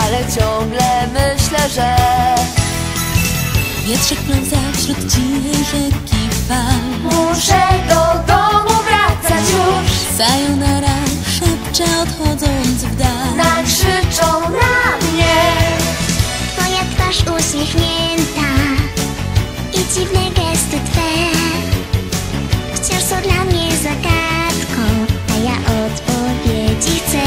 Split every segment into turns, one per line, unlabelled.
ale ciągle myślę, że
wietrzyk pełza wśród cichej rzeki fal.
Muszę do domu wracać już.
Sayonara szepczę odchodząc w dal.
Nakrzyczą na mnie.
Twoja twarz uśmiechnięta i dziwne gesty Twe wciąż są dla mnie zagadką, a ja odpowiedzi chcę.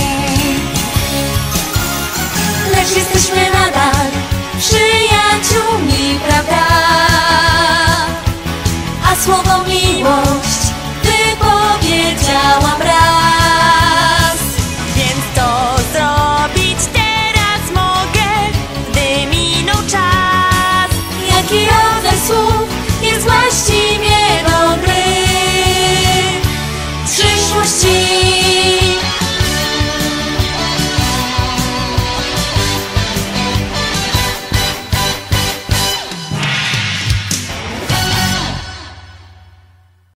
Lecz jesteśmy nadal przyjaciółmi, prawda? A słowo